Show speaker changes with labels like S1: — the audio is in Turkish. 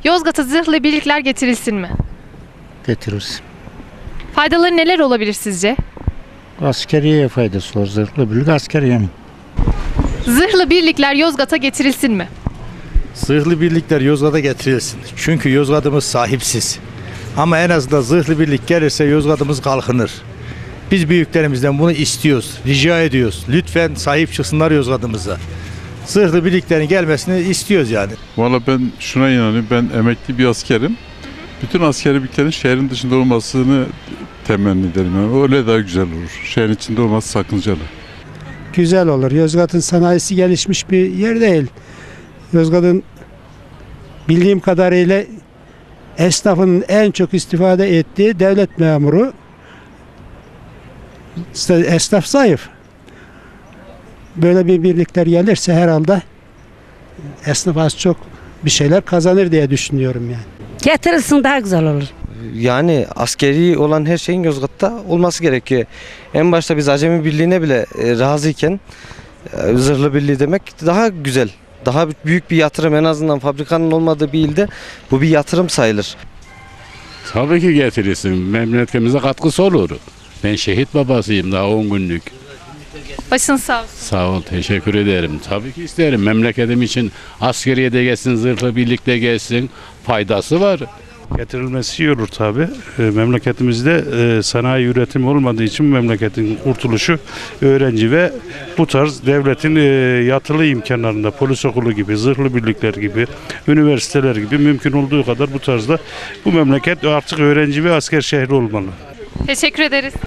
S1: Yozgat'a zırhlı birlikler getirilsin mi?
S2: Getiririz.
S1: Faydaları neler olabilir sizce?
S2: Askeriye faydası var. Zırhlı birlik askeriye mi?
S1: Zırhlı birlikler Yozgat'a getirilsin mi?
S3: Zırhlı birlikler Yozgat'a getirilsin. Çünkü Yozgat'ımız sahipsiz. Ama en azından zırhlı birlik gelirse Yozgat'ımız kalkınır. Biz büyüklerimizden bunu istiyoruz, rica ediyoruz. Lütfen sahip çıksınlar Yozgat'ımıza. Zırhlı birliklerin gelmesini istiyoruz yani.
S4: Valla ben şuna inanıyorum. Ben emekli bir askerim. Bütün askeri birliklerin şehrin dışında olmasını temenni ederim. Yani öyle daha güzel olur. Şehrin içinde olması sakıncalı.
S5: Güzel olur. Yozgat'ın sanayisi gelişmiş bir yer değil. Yozgat'ın bildiğim kadarıyla esnafın en çok istifade ettiği devlet memuru. Esnaf zayıf. Böyle bir birlikler gelirse herhalde esnaf az çok bir şeyler kazanır diye düşünüyorum yani.
S6: Getirilsin daha güzel olur.
S7: Yani askeri olan her şeyin Yozgat'ta olması gerekiyor. En başta biz Acemi Birliği'ne bile razıyken zırhlı birliği demek daha güzel. Daha büyük bir yatırım, en azından fabrikanın olmadığı bir ilde bu bir yatırım sayılır.
S8: Tabii ki getirirsin. Memleketimize katkısı olur. Ben şehit babasıyım daha 10 günlük.
S1: Başın sağ olsun.
S8: Sağ ol, teşekkür ederim. Tabii ki isterim. Memleketim için askeriye de gelsin, zırhlı birlikte gelsin. Faydası var.
S9: Getirilmesi iyi olur tabii. Memleketimizde sanayi üretimi olmadığı için memleketin kurtuluşu öğrenci ve bu tarz devletin yatılı imkanlarında polis okulu gibi, zırhlı birlikler gibi, üniversiteler gibi mümkün olduğu kadar bu tarzda bu memleket artık öğrenci ve asker şehri olmalı.
S1: Teşekkür ederiz.